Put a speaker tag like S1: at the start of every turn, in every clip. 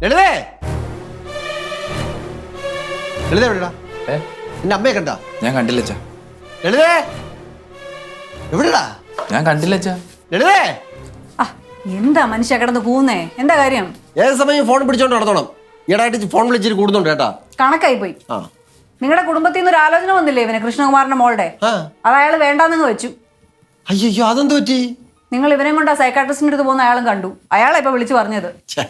S1: ലളിതേ ലളിതേ എവിടെടാ? നിന്റെ അമ്മയെ കണ്ടാ?
S2: ഞാൻ കണ്ടില്ല അച്ഛാ.
S1: ലളിതേ എവിടെടാ?
S2: ഞാൻ കണ്ടില്ല അച്ഛാ.
S1: ലളിതേ
S3: എന്താ മനുഷ്യ കിടന്ന് കൂന്നേ? എന്താ കാര്യം?
S1: ഏത് സമയം ഫോൺ പിടിച്ചോണ്ട് നടത്തണം. ഈടായിട്ട് ഫോൺ വിളിച്ചിട്ട് കൂടുന്നുണ്ട് കേട്ടാ.
S3: കണക്കായി പോയി. നിങ്ങളുടെ കുടുംബത്തിൽ നിന്ന് ഒരു ആലോചന വന്നില്ലേ ഇവന്, കൃഷ്ണകുമാറിന്റെ മോളുടെ? അത് അയാൾ വേണ്ടാന്ന് വെച്ചു.
S1: അയ്യോ അതെന്ത് പറ്റി?
S3: നിങ്ങൾ ഇവനെ കൊണ്ട് ആ സൈക്കാട്രിസ്റ്റിന്റെ അടുത്ത് പോകുന്ന അയാളും കണ്ടു. അയാളെ ഇപ്പൊ വിളിച്ചു പറഞ്ഞത്.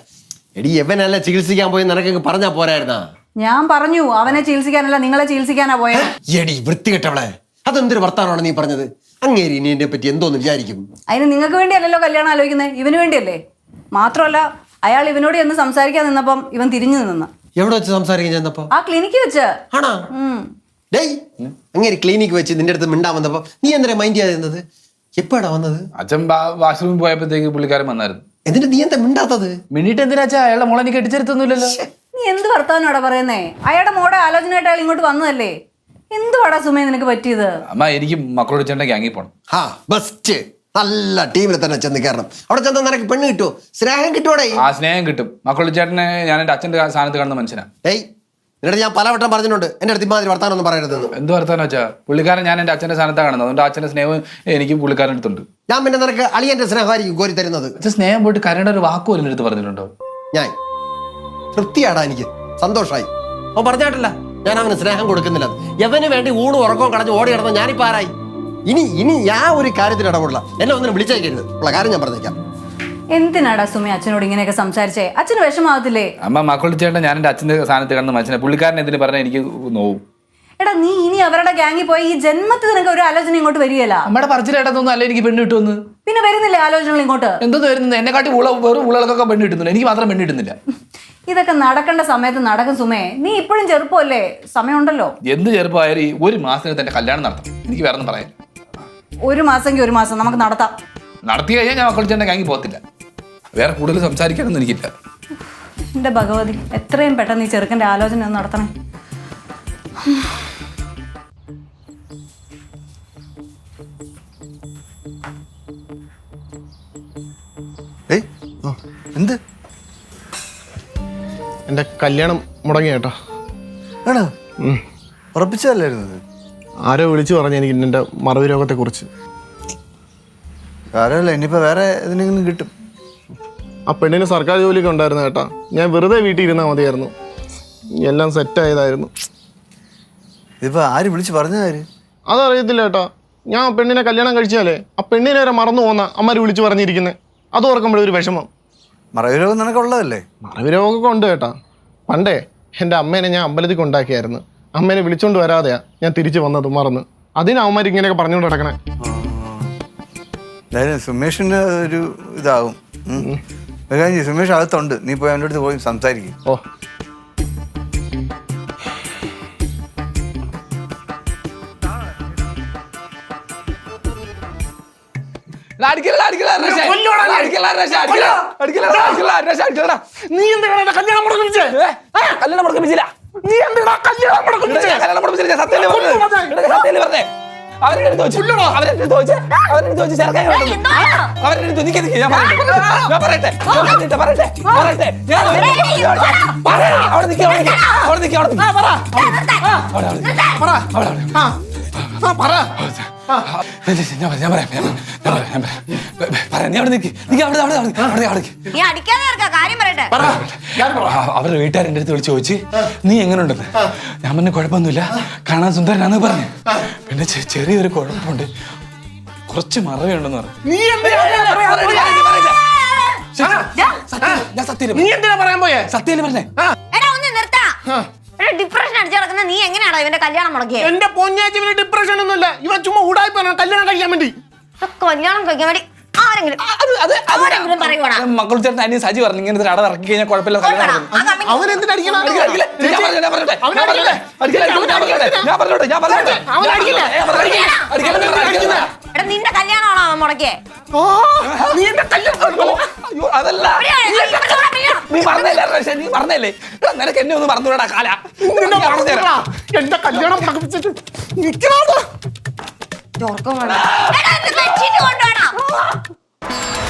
S1: എടി എവനല്ല ചികിത്സിക്കാൻ പോയി നിനക്ക് പറഞ്ഞാ പോരായിരുന്നാ?
S3: ഞാൻ പറഞ്ഞു അവനെ ചികിത്സിക്കാനല്ല നിങ്ങളെ ചികിത്സിക്കാനാ പോയത്.
S1: എടി വൃത്തികെട്ടവളെ, അതെന്തൊരു വർത്താനമാണ് നീ പറഞ്ഞത്? അങ്ങേരി നീ എന്നെ പറ്റി എന്തോന്ന് വിചാരിക്കും?
S3: അതിന് നിങ്ങൾക്ക് വേണ്ടിയല്ലല്ലോ കല്യാണം ആലോചിക്കുന്നത്, ഇവന് വേണ്ടിയല്ലേ. മാത്രമല്ല അയാൾ ഇവനോട് എന്ന് സംസാരിക്കാൻ നിന്നപ്പം ഇവൻ തിരിഞ്ഞു നിന്ന.
S1: എവിടെ വെച്ച് സംസാരിക്കാൻ ചെന്നപ്പോ?
S3: ആ ക്ലിനിക്കിൽ വെച്ച്.
S1: ആണോ? ഡേയ് അങ്ങേരി ക്ലിനിക്ക് വെച്ച് നിന്റെ അടുത്ത് മിണ്ടാൻ വന്നപ്പോ നീ എന്തിനാ മൈൻഡ് ചെയ്യാതിരുന്നത്? എപ്പോഴാ വന്നത്?
S2: അച്ഛൻ വാഷ്റൂമിൽ പോയപ്പോഴത്തേക്ക് പുള്ളിക്കാരൻ വന്നായിരുന്നു.
S1: എന്നിട്ട് നീ എന്താ മിണ്ടാത്തത്?
S2: മിണ്ടിട്ട് എന്തിനാ അച്ഛാ? അയാളുടെ മോളെ എനിക്ക് കെട്ടിച്ചെടുത്തൊന്നുമില്ലല്ലോ.
S3: നീ എന്ത് വർത്താനോടാ പറയുന്നേ? അയാളുടെ മോടെ ആലോചനയായിട്ട് അയാൾ ഇങ്ങോട്ട് വന്നതല്ലേ. എന്തുവാടാ സുമേ നിനക്ക് പറ്റിയത്?
S2: അമ്മ എനിക്ക് മക്കളോട് ചേട്ടൻ ഗ്യാങ്ങിൽ പോണം.
S1: ബെസ്റ്റ്, നല്ല ടീമിൽ തന്നെ ചെന്ന് കയറണം. അവിടെ ചെന്ന് നിനക്ക് പെണ്ണ് കിട്ടുമോ? സ്നേഹം കിട്ടുമോടെ?
S2: ആ സ്നേഹം കിട്ടും. മക്കളോട് ചേട്ടനെ ഞാൻ എന്റെ അച്ഛന്റെ സ്ഥാനത്ത് കാണുന്ന മനുഷ്യനാ.
S1: ഏയ് എന്നിട്ട് ഞാൻ പലവട്ടം പറഞ്ഞിട്ടുണ്ട് എന്റെ അടുത്ത് ഇമാതിരി വർത്താനം ഒന്നും പറയരുതെന്ന്.
S2: എന്ത് വർത്താനം വെച്ചാ? പുള്ളിക്കാരൻ ഞാൻ എന്റെ അച്ഛന്റെ സ്ഥാനത്താണ് കാണുന്നത്. അതുകൊണ്ട് അച്ഛന്റെ സ്നേഹം എനിക്ക് പുള്ളിക്കാരൻ അടുത്തുണ്ട്.
S1: ഞാൻ പിന്നെ നിനക്ക് അളിയന്റെ സ്നേഹമായിരിക്കും കോരി തരുന്നത്.
S2: അച്ഛൻ സ്നേഹം പോയിട്ട് കരയുടെ ഒരു വാക്ക് പോലും എടുത്ത് പറഞ്ഞിട്ടുണ്ടോ?
S1: ഞാൻ തൃപ്തിയാടാ, എനിക്ക് സന്തോഷമായി. അവൻ പറഞ്ഞായിട്ടില്ല ഞാൻ അവന് സ്നേഹം കൊടുക്കുന്നില്ല. എവന് വേണ്ടി ഊണും ഉറക്കവും കളഞ്ഞ് ഓടി കിടന്ന ഞാനിപ്പോ ആരായി? ഇനി ഞാൻ ഒരു കാര്യത്തിൽ ഇടപെടില്ല. എന്നെ ഒന്നിനും വിളിച്ചേക്കരുത്. ഉള്ള കാര്യം ഞാൻ പറഞ്ഞേക്കാം.
S3: എന്തിനാടാ സുമി അച്ഛനോട് ഇങ്ങനെയൊക്കെ സംസാരിച്ചേ? അച്ഛന് വിഷമാകത്തില്ലേ?
S2: അമ്മ മക്കളോട് ചേട്ടൻ ഞാൻ എന്റെ അച്ഛന്റെ സ്ഥാനത്ത് കാണുന്ന മനുഷ്യനെ. പുള്ളിക്കാരൻ എന്തിനു പറഞ്ഞാൽ എനിക്ക് നോവും.
S3: എടാ നീ ഇനി അവരുടെ ഗ്യാങ്ങിൽ പോയി ഈ ജന്മത്തിൽ നിനക്ക് ഒരു ആലോചന ഇങ്ങോട്ട് വരികയല്ല.
S2: അമ്മയുടെ പറച്ചിലേട്ടൊന്നും അല്ല എനിക്ക് പെണ്ണ് കിട്ടുമെന്ന്.
S3: പിന്നെ വരുന്നില്ലേ ആലോചനകൾ ഇങ്ങോട്ട്?
S2: എന്തോന്ന് വരുന്നത്? എന്നെ കാട്ടി വെറും ഉള്ളകൾക്കൊക്കെ പെണ്ണ് കിട്ടുന്നില്ല, എനിക്ക് മാത്രം പെണ്ണ് കിട്ടുന്നില്ല.
S3: ഇതൊക്കെ നടക്കേണ്ട സമയത്ത് നടക്കും സുമേ. നീ ഇപ്പോഴും ചെറുപ്പമല്ലേ, സമയമുണ്ടല്ലോ.
S2: എന്ത് ചെറുപ്പമായാലും ഒരു മാസത്തിന് എന്റെ കല്യാണം നടത്താം. എനിക്ക് വേറെ ഒന്നും പറയാം.
S3: ഒരു മാസമെങ്കിൽ ഒരു മാസം നമുക്ക് നടത്താം.
S2: നടത്തി കഴിഞ്ഞാൽ ഞാൻ മക്കൾ ചേട്ടൻ ഗ്യാങ്ങിൽ പോകത്തില്ല. വേറെ കൂടുതൽ സംസാരിക്കാനൊന്നും എനിക്കില്ല.
S3: എന്റെ ഭഗവതി, എത്രയും പെട്ടെന്ന് ഈ ചെറുക്കന്റെ ആലോചന ഒന്ന് നടത്തണേ.
S4: എന്ത്?
S5: എന്റെ കല്യാണം മുടങ്ങി കേട്ടോ.
S4: ആണോ? ഉറപ്പിച്ചതല്ലായിരുന്നത്?
S5: ആരോ വിളിച്ചു പറഞ്ഞു എനിക്ക് എൻ്റെ മറവി രോഗത്തെ കുറിച്ച്.
S4: സാരമല്ല, ഇനിയിപ്പോ വേറെ ഏതെങ്കിലും കിട്ടും.
S5: ആ പെണ്ണിന് സർക്കാർ ജോലിയൊക്കെ ഉണ്ടായിരുന്നു കേട്ടാ. ഞാൻ വെറുതെ വീട്ടിൽ ഇരുന്നാൽ മതിയായിരുന്നു. എല്ലാം സെറ്റായതായിരുന്നു.
S4: ഇതിപ്പോ ആര് വിളിച്ച് പറഞ്ഞതാര്?
S5: അതറിയത്തില്ല കേട്ടാ. ഞാൻ പെണ്ണിനെ കല്യാണം കഴിച്ചാലേ ആ പെണ്ണിനെ വരെ മറന്നു പോന്ന അമ്മര് വിളിച്ചു പറഞ്ഞിരിക്കുന്നത്. അത് ഓർക്കുമ്പോഴൊരു വിഷമം.
S4: മറവി രോഗം നിനക്കുള്ളതല്ലേ?
S5: മറവി രോഗമൊക്കെ ഉണ്ട് കേട്ടാ. പണ്ടേ എൻ്റെ അമ്മേനെ ഞാൻ അമ്പലത്തിൽ കൊണ്ടാക്കിയായിരുന്നു. അമ്മേനെ വിളിച്ചോണ്ട് വരാതെയാ ഞാൻ തിരിച്ചു വന്നത്, മറന്ന്. അതിന് അവന്മാർ ഇങ്ങനെയൊക്കെ പറഞ്ഞുകൊണ്ട് നടക്കണേ.
S4: എന്തായാലും സുമേഷിന് ഒരു ഇതാവും. സുമേഷ് അകത്തുണ്ട്, നീ പോയി അവൻ്റെ അടുത്ത് പോയി സംസാരിക്കും.
S5: ഓ
S2: നീ എന്താണ് കല്യാണം മുടക്കിപ്പിച്ചേ? കല്യാണം മുടക്കിപ്പിച്ചില്ല. നീ എന്താണ് കല്യാണം മുടക്കിപ്പിച്ചേ? കല്യാണം മുടക്കിപ്പിച്ചില്ല. സത്യം പറഞ്ഞേ. അവരുടെ അവരുടെ വീട്ടുകാരെന്റെ അടുത്ത് വിളിച്ച് ചോദിച്ച് നീ എങ്ങനെ ഉണ്ടെന്ന്. ഞാൻ പറഞ്ഞു കുഴപ്പമൊന്നുമില്ല, കാണാൻ സുന്ദരനാന്ന് പറഞ്ഞു. പിന്നെ ചെറിയൊരു കുഴപ്പമുണ്ട്, കുറച്ച് മറവിയുണ്ടെന്ന് പറഞ്ഞു. ഞാൻ സത്യം പറയാൻ പോയേ, സത്യം പറഞ്ഞേ.
S6: ഡിപ്രഷൻ അടിച്ചു കിടക്കുന്ന നീ എങ്ങനെയാണോ ഇവന്റെ കല്യാണം മുടക്കിയത്?
S5: എന്റെ പൊന്നാച്ചി ഇവന് ഡിപ്രഷൻ ഒന്നുമില്ല. ഇവൻ ചുമ്മാ ഉടായി പറഞ്ഞു കല്യാണം കഴിക്കാൻ വേണ്ടി.
S6: കല്യാണം കഴിക്കാൻ വേണ്ടി ആരെങ്കിലും പറയുവാടാ?
S2: മക്കൾ ചേട്ടൻ അനിയൻ സജി പറഞ്ഞു ഇങ്ങനെ അട ഇറക്കി കഴിഞ്ഞാൽ കുഴപ്പമില്ല.
S5: അവനെന്തിനടിക്കണം?
S6: നിന്റെ കല്യാണമാണോ അവൻ മുടക്കിയേ?
S2: അതല്ല, നീ പറഞ്ഞല്ലേ നിനക്ക് എന്നെ ഒന്ന് മറന്നുകൂടാ കാല.
S5: എന്റെ കല്യാണം
S6: കൊണ്ടുവേണം.